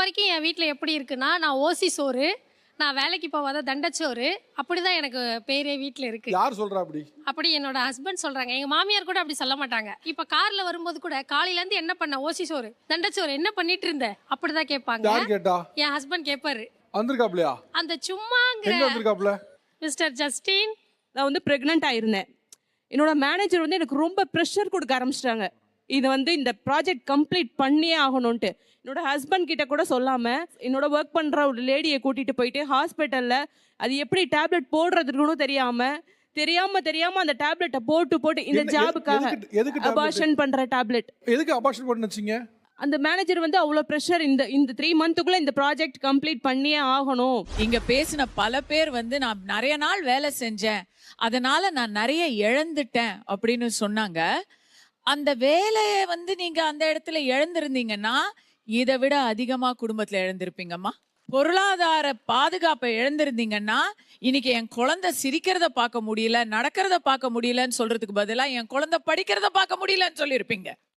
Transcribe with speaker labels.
Speaker 1: வரைக்கும் என் வீட்டில் எப்படி இருக்குன்னா, நான் ஓசி சோறு, நான் வேலைக்கு போகாத தண்டச்சோறு, அப்படிதான் எனக்கு பேரே வீட்டில் இருக்கு.
Speaker 2: யார் சொல்றா அப்படி?
Speaker 1: அப்படி என்னோட ஹஸ்பண்ட் சொல்றாங்க. எங்க மாமியார் கூட அப்படி சொல்ல மாட்டாங்க. இப்ப கார்ல வரும்போது கூட காலையில இருந்து என்ன பண்ண, ஓசி சோறு தண்டச்சோறு என்ன பண்ணிட்டு இருந்த, அப்படிதான் கேட்பாங்க.
Speaker 2: யார் கேட்டா?
Speaker 1: என் ஹஸ்பண்ட் கேட்பாரு.
Speaker 2: வந்திருக்காப்லையா?
Speaker 1: அந்த சும்மாங்கிற
Speaker 2: எங்க வந்திருக்காப்ல?
Speaker 1: மிஸ்டர் ஜஸ்டின்,
Speaker 3: நான் வந்து ப்ரெக்னென்ட் ஆயிருந்தேன். என்னோட மேனேஜர் வந்து எனக்கு ரொம்ப ப்ரெஷர் கொடுக்க ஆரம்பிச்சிட்டாங்க. இது வந்து இந்த ப்ராஜெக்ட் கம்ப்ளீட் பண்ணியே ஆகணும்ன்ட்டு. என்னோட ஹஸ்பண்ட் கிட்ட கூட சொல்லாமல் என்னோட ஒர்க் பண்ணுற ஒரு லேடியை கூட்டிகிட்டு போயிட்டு ஹாஸ்பிட்டலில் அது எப்படி டேப்லெட் போடுறதுக்குன்னு தெரியாமல் அந்த டேப்லெட்டை போட்டு இந்த ஜாபுக்காக அபார்ஷன் பண்ணுற டேப்லெட்.
Speaker 2: எதுக்கு அபார்ஷன் பண்ண வச்சீங்க?
Speaker 3: அந்த மேனேஜர் வந்து அவ்வளோ ப்ரெஷர், இந்த 3 மந்த்துக்குள்ளே இந்த ப்ராஜெக்ட் கம்ப்ளீட் பண்ணியே ஆகணும்.
Speaker 4: இங்க பேசின பல பேர் வந்து நான் நிறைய நாள் வேலை செஞ்சேன், அதனால நான் நிறைய இழந்துட்டேன் அப்படின்னு சொன்னாங்க. அந்த வேலையை வந்து நீங்க அந்த இடத்துல இழந்திருந்தீங்கன்னா இதை விட அதிகமா குடும்பத்துல இழந்திருப்பீங்கம்மா. பொருளாதார பாதுகாப்பை இழந்திருந்தீங்கன்னா இன்னைக்கு என் குழந்தை சிரிக்கிறத பார்க்க முடியல, நடக்கிறத பார்க்க முடியலன்னு சொல்றதுக்கு பதிலா என் குழந்தை படிக்கிறத பார்க்க முடியலன்னு சொல்லியிருப்பீங்க.